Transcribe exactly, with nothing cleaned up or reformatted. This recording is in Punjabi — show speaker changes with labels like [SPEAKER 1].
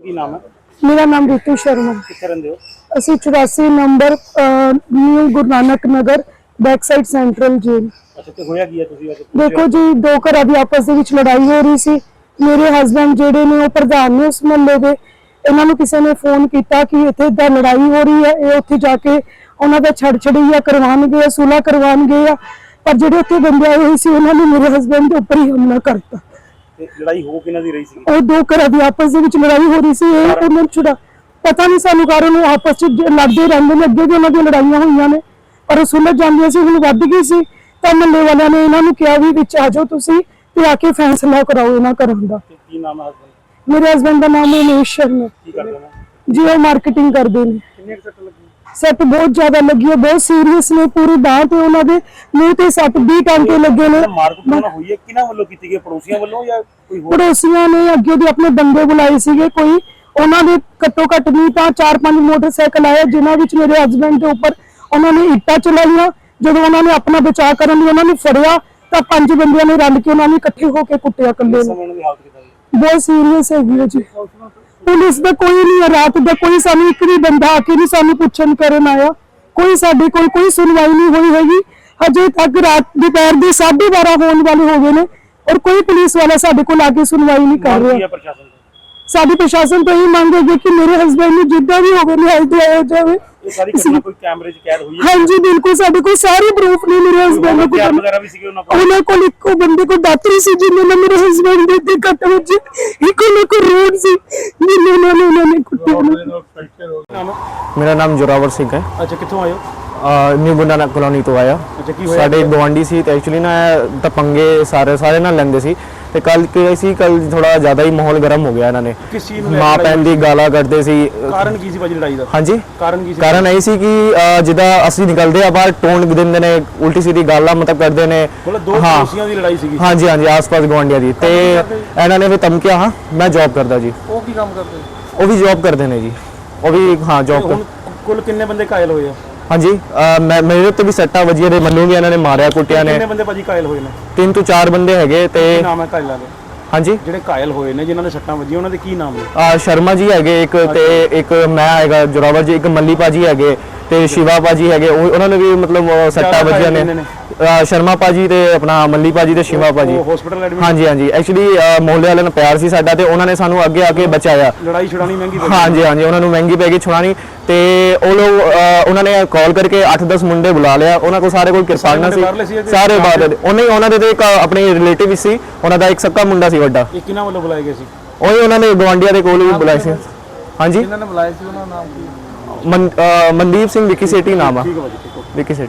[SPEAKER 1] ਕੀ ਨਾਮ ਹੈ?
[SPEAKER 2] मेरा नाम रितु शर्मा।
[SPEAKER 1] कित्थे रहिंदे हो?
[SPEAKER 2] ਅਸੀਂ चौरासी number new Guru Nanak Nagar back side central jail.
[SPEAKER 1] अच्छा ते होया की है तुसी वैसे?
[SPEAKER 2] देखो जी, दो घरां दी आपस ਦੇ ਵਿੱਚ ਲੜਾਈ ਹੋ ਰਹੀ ਸੀ। ਮੇਰੇ ਹਸਬੰਡ ਜਿਹੜੇ ਨੇ ਉਹ ਪ੍ਰਧਾਨ ਨੇ ਉਸ ਮਹੱਲੇ ਦੇ। ਇਹਨਾਂ ਨੂੰ ਕਿਸੇ ਨੇ ਫੋਨ ਕੀਤਾ ਕਿ ਇੱਥੇ ਦਾ ਲੜਾਈ ਹੋ ਰਹੀ ਹੈ, ਇਹ ਉੱਥੇ ਜਾ ਕੇ ਉਹਨਾਂ ਦਾ ਛੜ ਛੜਈਆ ਕਰਵਾਉਣਗੇ, ਸੁਲ੍ਹਾ ਕਰਵਾਉਣਗੇ ਆ। ਪਰ ਜਿਹੜੇ ਉੱਥੇ ਬੰਦੇ ਆਏ ਹੋਏ ਸੀ ਉਹਨਾਂ ਨੇ ਮੇਰੇ ਹਸਬੰਡ ਦੇ ਉੱਪਰ ਹੀ ਹਮਲਾ ਕਰਤਾ।
[SPEAKER 1] ਤੇ ਲੜਾਈ ਹੋ ਕਿਹਨਾਂ ਦੀ ਰਹੀ ਸੀ?
[SPEAKER 2] ਉਹ ਦੋ ਘਰਾਂ ਦੀ ਆਪਸ ਦੇ ਵਿੱਚ ਲੜਾਈ ਹੋ ਰਹੀ ਸੀ। ਇਹ ਉਹਨਾਂ ਨੂੰ ਛੁਡਾ ਪਤਾ ਨਹੀਂ ਸਾਨੂੰ ਕਾਰਨ, ਉਹ ਆਪਸ ਵਿੱਚ ਲੜਦੇ ਰਹਿੰਦੇ ਨੇ। ਅੱਗੇ ਵੀ ਉਹਨਾਂ ਦੀਆਂ ਲੜਾਈਆਂ ਹੋਈਆਂ ਨੇ ਪਰ ਉਹ ਸੁਲਝ ਜਾਂਦੀਆਂ ਸੀ, ਹੁਣ ਵੱਧ ਗਈ ਸੀ। ਤਾਂ ਮਹੱਲੇ ਵਾਲਿਆਂ ਨੇ ਇਹਨਾਂ ਨੂੰ ਕਿਹਾ ਵੀ ਵਿੱਚ ਆ ਜਾਓ ਤੁਸੀਂ ਤੇ ਆ ਕੇ ਫੈਸਲਾ ਕਰਾਓ ਇਹਨਾਂ ਘਰਾਂ ਦਾ।
[SPEAKER 1] ਕੀ ਨਾਮ ਹੈ ਹਸਬੰਦ?
[SPEAKER 2] ਮੇਰੇ ਹਸਬੰਡ ਦਾ ਨਾਮ ਉਮੇਸ਼ ਸ਼ਰਮਾ
[SPEAKER 1] ਕੀ ਕਰਦੇ ਨੇ?
[SPEAKER 2] ਜੀ, ਉਹ ਮਾਰਕੀਟਿੰਗ ਕਰਦੇ ਨੇ।
[SPEAKER 1] ਕਿੰਨੇ ਸੱਟ ਲੱਗੀ?
[SPEAKER 2] ਸੱਟ ਬਹੁਤ ਜ਼ਿਆਦਾ ਲੱਗੀ ਹੈ, ਬਹੁਤ ਸੀਰੀਅਸ ਨੇ। ਪੂਰੀ ਬਾਂਹ ਤੇ ਉਹਨਾਂ ਦੇ ਮੂੰਹ ਤੇ ਸੱਟ ਵੀਹ ਟਾਂਕੇ ਲੱਗੇ ਨੇ।
[SPEAKER 1] ਮਾਰਕੁੱਟ ਨਾ ਹੋਈ ਹੈ ਕਿਹਨਾਂ ਵੱਲੋਂ ਕੀਤੀ ਗਈ? ਪੜੋਸੀਆਂ ਵੱਲੋਂ ਜਾਂ ਕੋਈ ਹੋਰ?
[SPEAKER 2] ਪੜੋਸੀਆਂ ਨੇ ਅੱਗੇ ਦੇ ਆਪਣੇ ਬੰਦੇ ਬੁਲਾਏ ਸੀਗੇ ਕੋਈ। ਉਹਨਾਂ ਦੇ ਘੱਟੋ ਘੱਟ ਨਹੀਂ ਤਾਂ ਚਾਰ ਪੰਜ ਮੋਟਰਸਾਈਕਲ ਆਏ ਜਿਨ੍ਹਾਂ ਵਿੱਚ ਮੇਰੇ ਹਸਬੰਡ ਦੇ ਉੱਪਰ ਉਹਨਾਂ ਨੇ ਇੱਟਾਂ ਚਲਾਈਆਂ। ਜਦੋਂ ਉਹਨਾਂ ਨੇ ਆਪਣਾ ਬਚਾਅ ਕਰਨ ਲਈ ਉਹਨਾਂ ਨੂੰ ਫੜਿਆ ਤਾਂ ਪੰਜ ਬੰਦਿਆਂ ਨੇ ਰਲ ਕੇ ਉਹਨਾਂ ਨੂੰ ਇਕੱਠੇ ਹੋ ਕੇ ਕੁੱਟਿਆ ਇਕੱਲੇ ਨੂੰ।
[SPEAKER 1] ਸਮੇਂ ਦੀ ਹਾਲਤ ਕਿਦਾਂ ਹੈ?
[SPEAKER 2] ਬਹੁਤ ਸੀਰੀਅਸ ਹੈਗੀ ਹੈ ਜੀ। ਪੁਲਿਸ ਦਾ ਕੋਈ ਨਹੀਂ ਹੈ, ਰਾਤ ਦਾ ਕੋਈ ਸਾਨੂੰ ਇੱਕ ਵੀ ਬੰਦਾ ਆ ਕੇ ਨਹੀਂ ਸਾਨੂੰ ਪੁੱਛਣ ਕਰਨ ਆਇਆ। ਕੋਈ ਸਾਡੇ ਕੋਲ ਕੋਈ ਸੁਣਵਾਈ ਨਹੀਂ ਹੋਈ ਹੈਗੀ ਹਜੇ ਤੱਕ। ਰਾਤ ਦੁਪਹਿਰ ਦੇ ਸਾਢੇ ਬਾਰਾਂ ਹੋਣ ਵਾਲੇ ਹੋ ਗਏ ਨੇ ਔਰ ਕੋਈ ਪੁਲਿਸ ਵਾਲਾ ਸਾਡੇ ਕੋਲ ਆ ਕੇ ਸੁਣਵਾਈ ਨਹੀਂ ਕਰ ਰਿਹਾ।
[SPEAKER 1] ਪ੍ਰਸ਼ਾਸਨ
[SPEAKER 2] ਸਾਡੀ ਪ੍ਰਸ਼ਾਸਨ ਤੋਂ ਇਹ ਮੰਗ ਹੈ ਕਿ ਮੇਰੇ ਹਸਬੰਡ ਨੂੰ ਜਿੱਦਾਂ ਵੀ ਹੋਵੇ ਨਿਆਂ ਦਿਵਾਇਆ ਜਾਵੇ।
[SPEAKER 1] ਇਹ ਸਾਰੀ ਘਟਨਾ ਕੋਈ ਕੈਮਰੇ 'ਚ ਕੈਦ ਹੋਈ ਹੈ?
[SPEAKER 2] ਹਾਂਜੀ ਬਿਲਕੁਲ, ਸਾਡੇ ਕੋਲ ਸਾਰੇ ਪ੍ਰੂਫ ਨੇ। ਮੇਰੇ ਹਸਬੰਡ ਨੂੰ
[SPEAKER 1] ਹਥਿਆਰ ਵਗੈਰਾ ਵੀ ਸੀਗੇ ਉਹਨਾਂ ਕੋਲ?
[SPEAKER 2] ਉਹਨਾਂ ਕੋਲ ਇੱਕੋ ਬੰਦੇ ਕੋਲ ਦਾਤਰੀ ਸੀ ਜਿਹਨੇ ਨਾਲ ਮੇਰੇ ਹਸਬੰਡ ਦੇ ਤੇ ਕੱਟ ਵੱਜੇ। ਇੱਕੋ ਉਹਨਾਂ ਕੋਲ ਰੋਡ ਸੀ ਜਿਹਨੇ ਨਾਲ ਉਹਨਾਂ ਨੇ ਕੁੱਟਿਆ।
[SPEAKER 3] मेरा नाम जोरावर सिंह है।
[SPEAKER 1] अच्छा कित्थों आए हो?
[SPEAKER 3] न्यू गुरु नानक कॉलोनी तो आया।
[SPEAKER 1] अच्छा की होया?
[SPEAKER 3] ਸਾਡੇ ਗਵਾਂਢੀ ਸੀ ਤੇ ਐਕਚੁਅਲੀ ਨਾ ਤਾਂ ਪੰਗੇ ਸਾਰੇ ਸਾਰੇ ਨਾਲ ਲੈਂਦੇ ਸੀ ਤੇ ਕੱਲ ਕੀ ਸੀ, ਕੱਲ ਥੋੜਾ ਜ਼ਿਆਦਾ ਹੀ ਮਾਹੌਲ ਗਰਮ ਹੋ ਗਿਆ। ਇਹਨਾਂ ਨੇ
[SPEAKER 1] ਕਿਸ ਚੀਜ਼ ਨੂੰ
[SPEAKER 3] ਮਾਂ ਭੈਣ ਦੀ ਗਾਲਾਂ ਕੱਢਦੇ ਸੀ।
[SPEAKER 1] ਕਾਰਨ ਕੀ ਸੀ ਭਾਜੀ ਲੜਾਈ ਦਾ?
[SPEAKER 3] ਹਾਂਜੀ,
[SPEAKER 1] ਕਾਰਨ ਕੀ ਸੀ?
[SPEAKER 3] ਕਾਰਨ ਇਹ ਸੀ ਕਿ ਅ, ਜਿੱਦਾਂ ਅਸੀਂ ਨਿਕਲਦੇ ਆ ਬਾਹਰ ਟੋਨ ਦਿੰਦੇ ਨੇ, ਉਲਟੀ ਸਿੱਧੀ ਗਾਲਾਂ ਮਤਲਬ ਕਰਦੇ ਨੇ।
[SPEAKER 1] ਮਤਲਬ ਦੋ ਪੜੋਸੀਆਂ ਦੀ ਲੜਾਈ ਸੀਗੀ?
[SPEAKER 3] ਹਾਂਜੀ ਹਾਂਜੀ, ਆਸ-ਪਾਸ ਗਵਾਂਢੀਆਂ ਦੀ। ਤੇ ਇਹਨਾਂ ਨੇ ਵੀ ਧਮਕੀਆਂ। ਹਾਂ, ਮੈਂ ਜੌਬ ਕਰਦਾ ਜੀ।
[SPEAKER 1] ਉਹ ਕੀ ਕੰਮ ਕਰਦੇ?
[SPEAKER 3] ਉਹ ਵੀ ਜੌਬ ਕਰਦੇ ਨੇ ਜੀ। ਉਹ ਵੀ ਹਾਂ ਜੌਬ ਕਰ।
[SPEAKER 1] ਕੁੱਲ ਕਿੰਨੇ ਬੰਦੇ ਘਾਇਲ ਹੋਏ ਆ?
[SPEAKER 3] ਹਾਂਜੀ, ਮੈਂ ਮੇਰੇ ਉੱਤੇ ਵੀ ਸੱਟਾਂ ਵੱਜੀਆਂ ਨੇ। ਮੈਨੂੰ ਵੀ ਇਹਨਾਂ ਨੇ ਮਾਰਿਆ ਕੁੱਟਿਆ ਨੇ।
[SPEAKER 1] ਕਿੰਨੇ ਬੰਦੇ ਭਾਜੀ ਘਾਇਲ ਹੋਏ ਨੇ?
[SPEAKER 3] ਤਿੰਨ ਤੋਂ ਚਾਰ ਬੰਦੇ ਹੈਗੇ। ਤੇ
[SPEAKER 1] ਕੀ ਨਾਮ ਹੈ ਘਾਇਲਾਂ ਦੇ?
[SPEAKER 3] ਹਾਂਜੀ,
[SPEAKER 1] ਜਿਹੜੇ ਘਾਇਲ ਹੋਏ ਨੇ ਜਿਨ੍ਹਾਂ ਨੇ ਸੱਟਾਂ ਵੱਜੀਆਂ ਉਹਨਾਂ ਦੇ ਕੀ ਨਾਮ ਨੇ?
[SPEAKER 3] ਆ ਸ਼ਰਮਾ ਜੀ ਹੈਗੇ ਇੱਕ, ਤੇ ਇੱਕ ਮੈਂ ਹੈਗਾ ਜੋਰਾਵਰ ਜੀ, ਇੱਕ ਮੱਲੀ ਭਾਜੀ ਹੈਗੇ ਤੇ ਸ਼ਿਵਾ ਭਾਜੀ ਹੈਗੇ। ਉਹ ਉਹਨਾਂ ਨੇ ਵੀ ਮਤਲਬ ਸੱਟਾਂ ਵੱਜੀਆਂ ਨੇ। ਸ਼ਰਮਾ ਭਾਜੀ ਤੇ ਆਪਣਾ ਮੱਲੀ ਭਾਜੀ ਤੇ ਸ਼ਿਵਾ ਭਾਜੀ
[SPEAKER 1] ਹਸਪੀਟਲ ਐਡਮਿਟ?
[SPEAKER 3] ਹਾਂਜੀ ਹਾਂਜੀ, ਐਕਚੁਅਲੀ ਮੁਹੱਲੇ ਵਾਲਿਆਂ ਨਾਲ ਪਿਆਰ ਸੀ ਸਾਡਾ ਤੇ ਉਹਨਾਂ ਨੇ ਸਾਨੂੰ ਅੱਗੇ ਆ ਕੇ ਬਚਾਇਆ।
[SPEAKER 1] ਲੜਾਈ ਛੁਡਾਣੀ ਮਹਿੰਗੀ ਪੈ ਗਈ?
[SPEAKER 3] ਹਾਂਜੀ ਹਾਂਜੀ, ਉਹਨਾਂ ਨੂੰ ਮਹਿੰਗੀ ਪੈ ਗਈ ਛੁਡਾਣੀ। ਤੇ ਉਹ ਲੋਕ ਉਹਨਾਂ ਨੇ ਕਾਲ ਕਰਕੇ ਅੱਠ ਦਸ ਮੁੰਡੇ ਬੁਲਾ ਲਿਆ। ਉਹਨਾਂ ਕੋਲ ਸਾਰੇ ਕੋਲ ਕਿਰਪਾਨਾਂ ਸੀ, ਸਾਰੇ ਬਾਹਰ। ਉਹਨੇ ਉਹਨਾਂ ਦੇ ਤੇ ਇੱਕ ਆਪਣੇ ਰਿਲੇਟਿਵ ਸੀ, ਉਹਨਾਂ ਦਾ ਇੱਕ ਸੱਕਾ ਮੁੰਡਾ ਸੀ ਵੱਡਾ।
[SPEAKER 1] ਇਹ ਕਿਹਨਾਂ ਵੱਲੋਂ ਬੁਲਾਏ ਗਏ ਸੀ?
[SPEAKER 3] ਉਹੀ ਉਹਨਾਂ ਨੇ ਗਵਾਂਢੀਆਂ ਦੇ ਕੋਲ ਵੀ ਬੁਲਾਏ ਸੀ। ਹਾਂਜੀ,
[SPEAKER 1] ਇਹਨਾਂ ਨੇ ਬੁਲਾਏ ਸੀ, ਉਹਨਾਂ ਦਾ ਨਾਮ ਕੀ?
[SPEAKER 3] ਮਨਦੀਪ ਸਿੰਘ ਵਿੱਕੀ ਸੇਠੀ ਨਾਮ ਆ।
[SPEAKER 1] ਠੀਕ ਹੈ ਭਾਜੀ, ਠੀਕ ਹੈ।
[SPEAKER 3] ਵਿੱਕੀ ਸੇਠੀ।